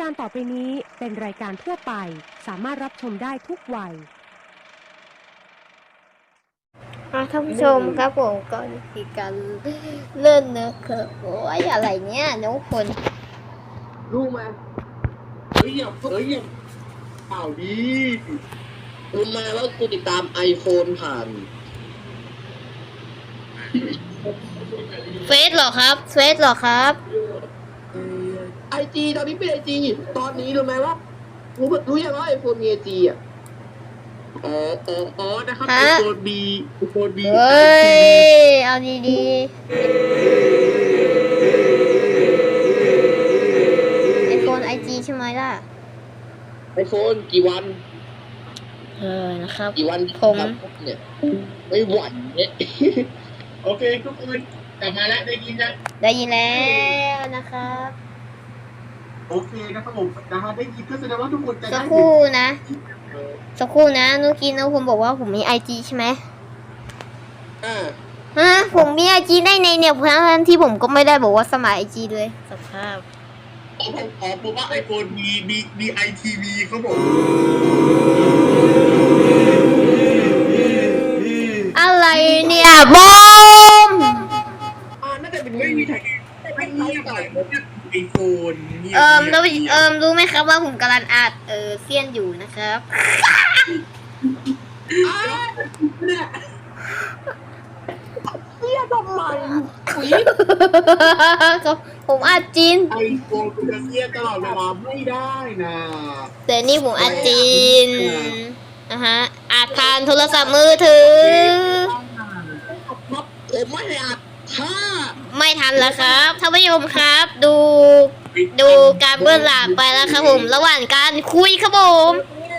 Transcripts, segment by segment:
การต่อไปนี้เป็นรายการทั่วไปสามารถรับชมได้ทุกวัยท่านผู้ชมครับผมก็มีการเลื่อนนะครับโอ้ยอะไรเนี่ยน้องคนรู้ไหมเฮ้ยอย่าเปล่าดีรู้ไหมว่ากูติดตาม iPhone ผ่านเฟซเหรอครับเฟซเหรอครับ IG ตอนนี้เป็น IG ตอนนี้รู้ไหมว่ารู้ยังว่า iPhone มี IG อ่ะอ๋อนะครับ iPhone B เฮ้ยเอาดีๆไอโฟนไอจีใช่ไหมล่ะ iPhone กี่วันนะครับกี่วันผมเนี่ยไม่หวั่นเนี่ยโอเคทุกคนกลับมาแล้วได้ยินยังได้ยินแล้วนะครับโอเคนะครับผมนะฮะได้ยินก็แสดงว่าทุกคนจะสัได้กครู่นะสักครู่นะเมื่อกี้นะผมบอกว่าผมมีไอจีใช่ไหมผมมีไอจีได้ในเนี่ยเพราะฉะนั้นที่ผมก็ไม่ได้บอกว่าสมัครไอจีเลยสภาพผมว่าไอโฟนมี ITV เขาบอกอะไรเนี่ยบอมน่าจะเป็นไม่มีไทยไม่เงียบเลยไอโฟนรู้ไหมครับว่าผมกำลังอัดเซียนอยู่นะครับเสียทำไมผมอัดจีนไอโฟนคุณจะเสียตลอดเวลาไม่ได้นะแต่นี่ผมอัดจีนอัดผ่านโทรศัพท์มือถือผมไม่ได้อัดถ้าไม่ทันแล้วครับท่านผู้ชมครับดูการเบื้องหลังไปแล้วครับผมระหว่างการคุยครับผม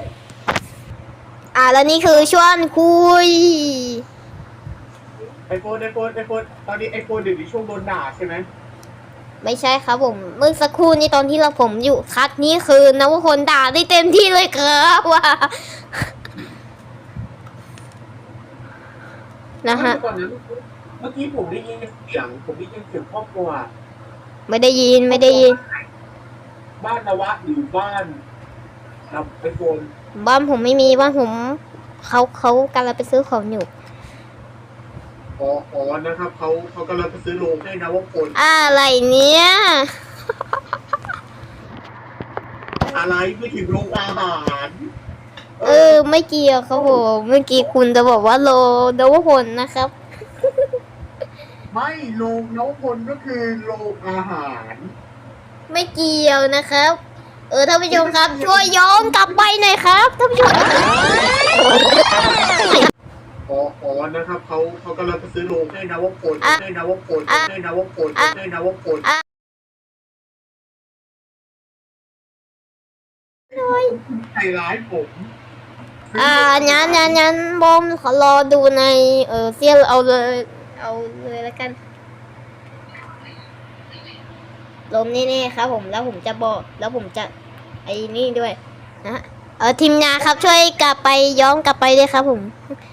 แล้วนี่คือช่วงคุยไอโฟนตอนนี้ไอโฟนเดี๋ยวนี้ช่วงโดนด่าใช่ไหมไม่ใช่ครับผมเมื่อสักครู่นี้ตอนที่ผมอยู่คัดนี้คือนวพลด่าได้เต็มที่เลยครับว่านะฮะเมื่อกี้ผมได้ยินเสียงครอบครัวไม่ได้ยินบ้านนวะหรือบ้านไอโฟนบ้านผมไม่มีบ้านผมเขากำลังไปซื้อของอยู่นะครับเขากำลังไปซื้อโรงให้นะว่าคนอะไรเนี้ยอะไรไม่ถึงโรงอาหารไม่เกี่ยวครับผมเมื่อกี้คุณจะบอกว่าโลนวพลนะครับไม่โรงนวพลก็คือโรงอาหารไม่เกี่ยวนะครับท่านผู้ชมครับช่วยย้อนกลับไปหน่อยครับท่านผู้ชมนะครับเขากำลังไปซื้อโรงให้นะว่าคนใจร้ายผมงั้นบอมขอรอดูในเซียเอาเลยแล้วกันลมนี่ครับผมแล้วผมจะบอกแล้วผมจะไอ้นี่ด้วยนะทีมงานครับช่วยย้อนกลับไปด้วยครับผม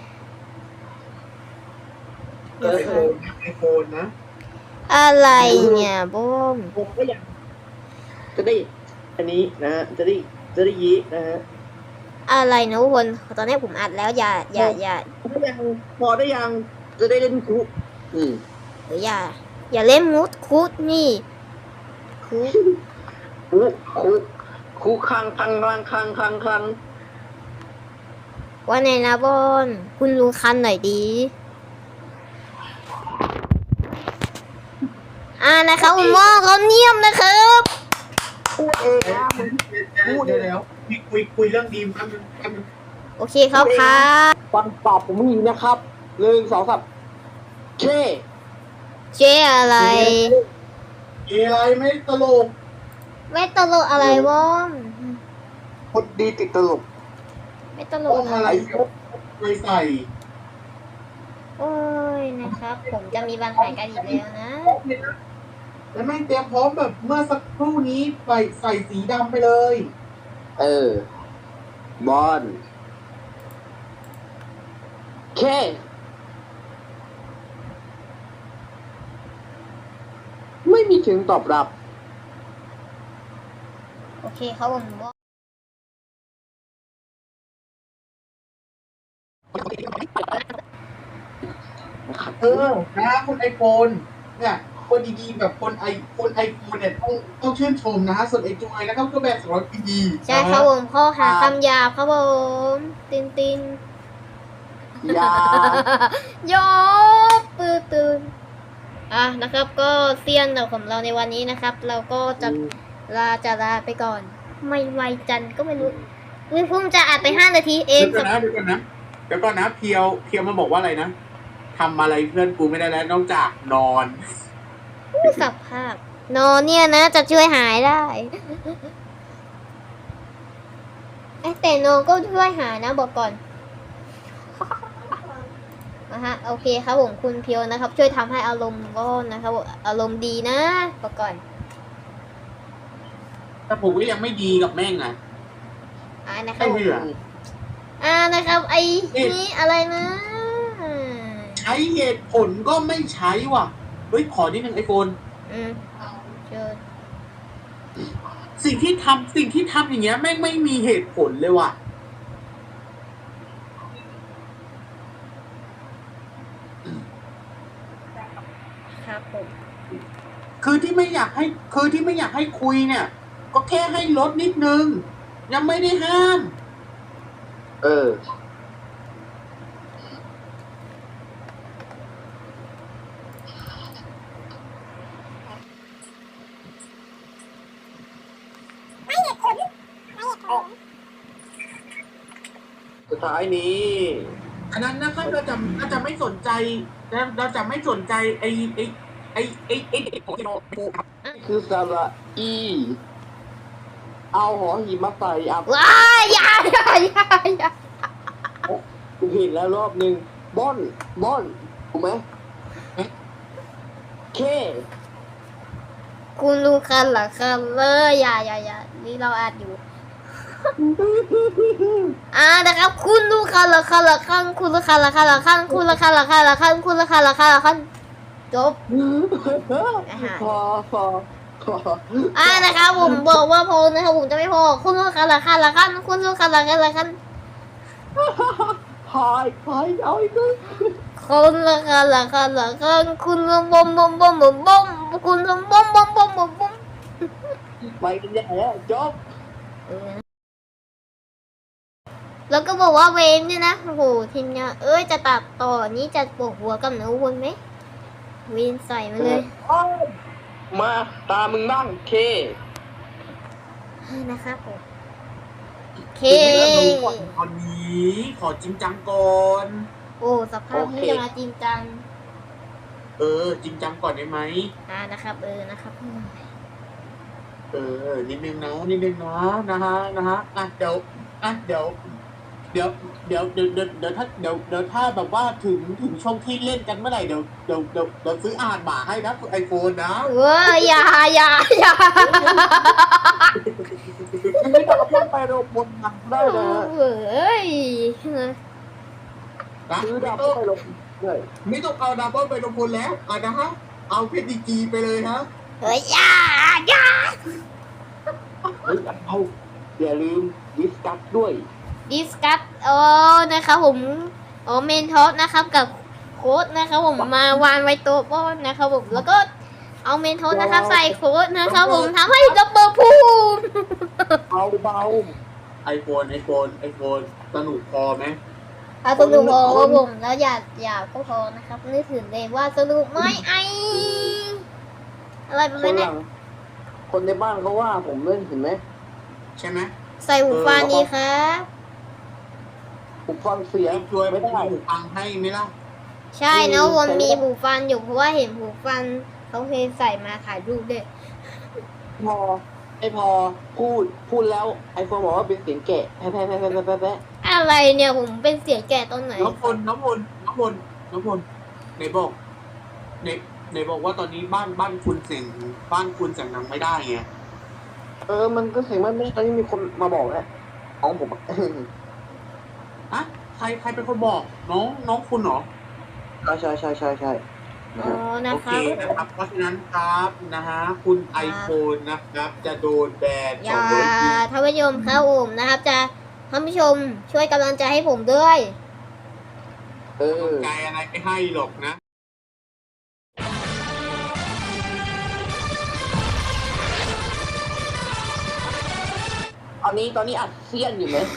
ไอโฟนนะอะไรเนี่ยบอมผมก็อยากจะได้อันนี้นะฮะจะได้ยีนะฮะอะไรนะทุกคนตอนนี้ผมอัดแล้วอย่าพอได้ยังจะได้เล่นคุกหรืออย่าเล่นมุดคุดนี่คุกคังว่าไงนะบอลคุณรู้คันหน่อยดีนะครับคุณหมอเขาเนียมนะครับพูดเองนะพูดแล้วคุยเรื่องดีมครับโอเคครับฟังตอบผมมีนะครับ1 2 3 เจอะไรไม่ตลกอะไรบอมคนดีติดตลกไม่ตลกอะไรไม่ใส่โอ้ยนะครับผมจะมีปัญหากันอีกแล้วนะแล้วแม่งเตรียมพร้อมแบบเมื่อสักครู่นี้ใส่สีดำไปเลยบอลไม่มีถึงตอบรับโอเคครับผมนะคุณไอโฟนเนี่ยคนดีๆแบบคนไอโฟนเนี่ยต้องชื่นชมนะส่วนไอจอยนะครับก็แบบ200 ปีใช่ครับผมข้อหาคำหยาบครับผมตินตินอย่าโยบปืนตื่นนะครับก็เซียนของเราในวันนี้นะครับ เราก็จะลาไปก่อน ไม่ไวจันก็ไม่รู้เพิ่งจะอัดไป5 นาทีเองเดี๋ยวก่อนนะเพียวมันบอกว่าอะไรนะทำอะไรเพื่อนกูไม่ได้แล้วนอกจากนอนสภาพนอนเนี่ยนะจะช่วยหายได้แต่นอนก็ช่วยหายนะบอกก่อนโอเคครับผมคุณเพียวนะครับ ช่วยทำให้อารมณ์ก็นะครับอารมณ์ดีนะบอกก่อนแต่ผมก็ยังไม่ดีกับแม่งอ่ะนะครับไอ้เหี้ยนะครับไอ้นี่อะไรนะใช้เหตุผลก็ไม่ใช้ว่ะเฮ้ยขอนิดนึงไอโฟนเชิญสิ่งที่ทำอย่างเงี้ยแม่งไม่มีเหตุผลเลยว่ะครับผมคือที่ไม่อยากให้คุยเนี่ย ก็แค่ให้ลดนิดนึง ยังไม่ได้ห้ามสุดท้ายนี้อันนั้นนะครับเราจะไม่สนใจเราจะไม่สนใจไอ้เด็กของเราครับคือสระอี เอาหอหีบมาใส่อ่ะว้ายอย่ากูผิดแล้วรอบหนึ่งบ้อนถูกไหมเคคุณรู้คันเหรอคันเลยอย่านี่เราอัดอยู่ นะครับคุณรู้คันเหรอคันคุณรู้คันเหรอคันคุณรู้คันเหรอคันคุณรู้คันเหรอคันจบพอนะครับผมบอกว่าพอนะครับผมจะไม่พอคุณรู้คันเหรอคันคุณรู้คันเหรอคันพายเอาอีกเลยคุณรู้คันเหรอคันคุณรู้บอมคุณรู้บอมไปกันใหญ่แล้วจบแล้วก็บอกว่าเวนเนี่ยนะโอ้โหทีมเนี่ยจะตัดต่อนี้จะปวดหัวกับหนูวนไหมเวนใส่มาเลยมาตามึงบ้างเคนะครับผมเคตอนนี้ขอจริงจังก่อนโอ้สภาพนี้จะมาจริงจังจริงจังก่อนได้ไหมนะครับนะครับนิดนึงนะนะฮะเดี๋ยวถ้าแบบว่าถึงช่วงที่เล่นกันเมื่อไหร่เดี๋ยวซื้ออาหารหมาให้นะไอโฟนนะอย่าไม่ต้องเอาไปโรงพยาบาลได้นะเว้ยซื้อดาวไปโรงด้วยไม่ต้องเอาดับเบิลไปลงทุนแล้วนะฮะเอาเพชรดีกีไปเลยฮะอย่าเอาอย่าลืมดิสกัสด้วยดิสคัสนะครับผมเมนทอสนะครับกับโค้ดนะครับผมมาวางไว้โต๊ะป้อนนะครับผมแล้วก็เอาเมนทอสนะครับใส่โค้ดนะครับผมทำให้ดับเบิลพูมเบาไอโฟนสนุกพอไหมสนุกพอครับผมแล้วอย่าก็พอนะครับนึกถึงเลยว่าสนุกไหมอะไรประมาณนี้คนในบ้านเขาว่าผมเล่นเห็นไหมใช่ไหมใส่หูฟังดีครับผมฟังเสียงช่วยไม่ได้หูฟังให้ไหมล่ะใช่นะวนมีหูฟังอยู่เพราะว่าเห็นหูฟังเขาเคยใส่มาถ่ายรูปด้วยไม่พอพูดแล้วไอโฟนบอกว่าเป็นเสียงแกะแพ้อะไรเนี่ยผมเป็นเสียงแก่ตอนไหนน้องพลไหนบอกว่าตอนนี้บ้านคุณเสียงดังไม่ได้ไงมันก็เสียงมันไม่ตอนนี้มีคนมาบอกแล้วของผมใครเป็นคนบอกน้องคุณเหรอใช่อ๋อนะโอคเครับ นะครับ เพราะฉะนั้นครับนะฮะคุณไอโฟนนะครับ จะโดนแบนอย่า 200 ปีท่านผู้ชมครับผมนะครับ จะท่านผู้ชมช่วยกำลังใจให้ผมด้วยใจอะไรไม่ให้หรอกนะตอนนี้อัดเซียนอยู่ไหม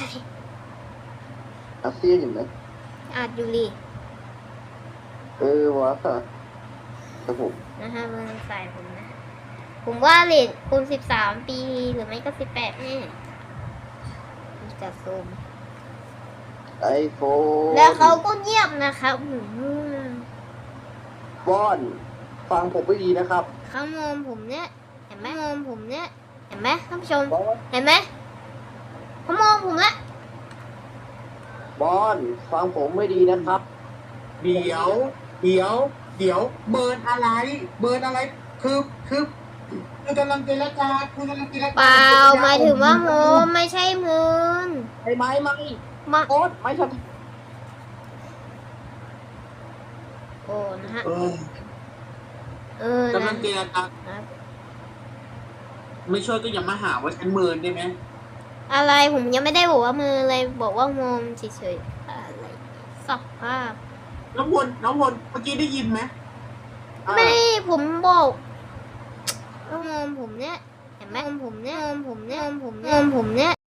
อัดเซียนอยู่ไหมอาจอยู่ลีวะครับผมนะฮะมันใส่ผมนะ ผมว่าเลทคุณ13 ปีหรือไม่ก็18แน่จะซูมไอโฟนแล้วเขาก็เงียบนะครับบอนฟังผมไม่ดีนะครับเขามองผมเนี่ยเห็นไหมมองผมเนี่ยเห็นไหมท่านผู้ชมบอนเห็นไหมเขามองผมละบอนฟังผมไม่ดีนะครับเดี๋ยวเบิร์นอะไร คือกำลังเจรจาเปล่าหมายถึงว่าโมไม่ใช่มืนไม่มาโอ๊ตไม่ใช่โอ้นะฮะเออกนะำลังเจรจาครับไม่ช่วยก็อย่ามาหาว่าฉันเมินได้ไหมอะไรผมยังไม่ได้บอกว่ามือเลยบอกว่าโมมเฉยๆอะไรสักภาพน้องพลเมื่อกี้ได้ยินไหมไม่ผมบอกว่ามองผมเนี่ยเห็นไหมมองผมเนี่ย